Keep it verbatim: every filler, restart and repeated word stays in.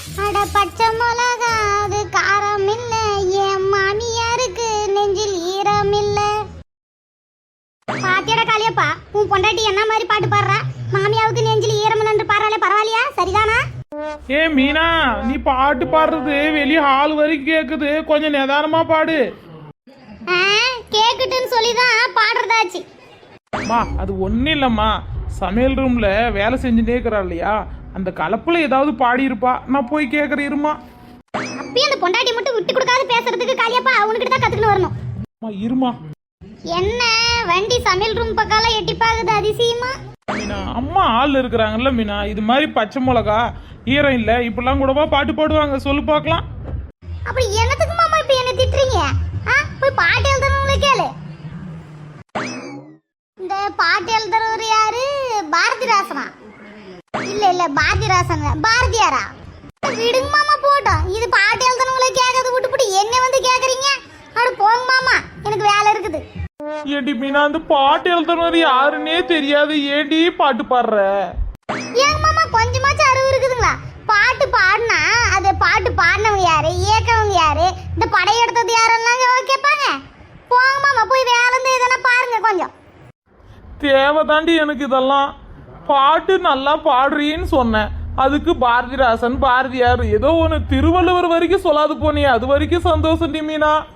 அட பச்சை மிளகா அது காரம் இல்ல, என் மாமியாருக்கு நெஞ்சில் ஈரம் இல்ல. பாத்தியட காளியப்பா, உன் பொண்டாட்டி என்ன மாதிரி பாட்டு பாடுறா? மாமியாவுக்கு நெஞ்சில் ஈரம் இல்லைன்னு பாடுறாளே, பரவாயில்லையா? சரிதானா? ஏ மீனா, நீ பாட்டு பாடுறது வெளியே ஹால் வரைக்கும் கேக்குது, கொஞ்சம் நிதானமா பாடு. கேக்குட்டுன்னு சொல்லிதான் பாடுறதாச்சு. மா அது ஒன்றும் இல்லைம்மா, சமையல் ரூம்ல வேலை செஞ்சுட்டே இருக்கிறா இல்லையா, அந்த கலப்புல ஏதாவது பாடி இருப்பா, நான் போய் கேட்குறேன் இருமா. அப்பயும் அந்த பொண்டாட்டி மட்டும் விட்டு கொடுக்காது பேசுறதுக்கு காளியப்பா, அவனுக்கிட்ட தான் கத்துக்கணும் வரணும். இருமா. என்ன வண்டி சமையல் ரூம் பக்கம் எட்டி பாக்குது அதிசயமா? மீனா அம்மா ஆள் இருக்கிறாங்கல்ல மீனா, இது மாதிரி பச்சை மிளகா ஈரம் இல்லை இப்படிலாம் கூடவா பாட்டு பாடுவாங்க, சொல்லு பார்க்கலாம். அப்படி என்னத்துக்கு மாமா இப்ப என்ன திட்டுறீங்க? போய் பாட்டு எழுதுறவங்களே கேளு. இந்த பாட்டு எழுதுறவர் யாரு? பாரதிராசனா? இல்ல இல்ல பாரதிராசன் பாரதியாரா? விடுங்க மாமா போட்டோம், இது பாட்டு எழுதுறவங்களே கேட்கறது விட்டுப்புட்டு என்ன வந்து கேக்குறீங்க? அட போங்க மாமா, எனக்கு வேலை இருக்குது. ஏடி மீனா, அந்த பாட்டு எழுதுறது யாருன்னே தெரியாது, ஏடி பாட்டு பாடுற? ஏங்க மாமா கொஞ்சமாச்சும் அறிவு இருக்குதுங்களா? பாட்டு பாடினா அது பாட்டு பாடினவங்க யாரு, இயக்கவங்க யாரு, இந்த படையெடுத்தது யாரெல்லாம் கேட்பாங்க. போங்க மாமா, போய் வேலை இருந்து எதனா பாருங்க கொஞ்சம். தேவைதாண்டி எனக்கு இதெல்லாம். பாட்டு நல்லா பாடுறீன்னு சொன்னேன், அதுக்கு பாரதிராசன் பாரதியார் ஏதோ ஒன்று திருவள்ளுவர் வரைக்கும் சொல்லாது போனியே, அது வரைக்கும் சந்தோஷம் டி மீனா.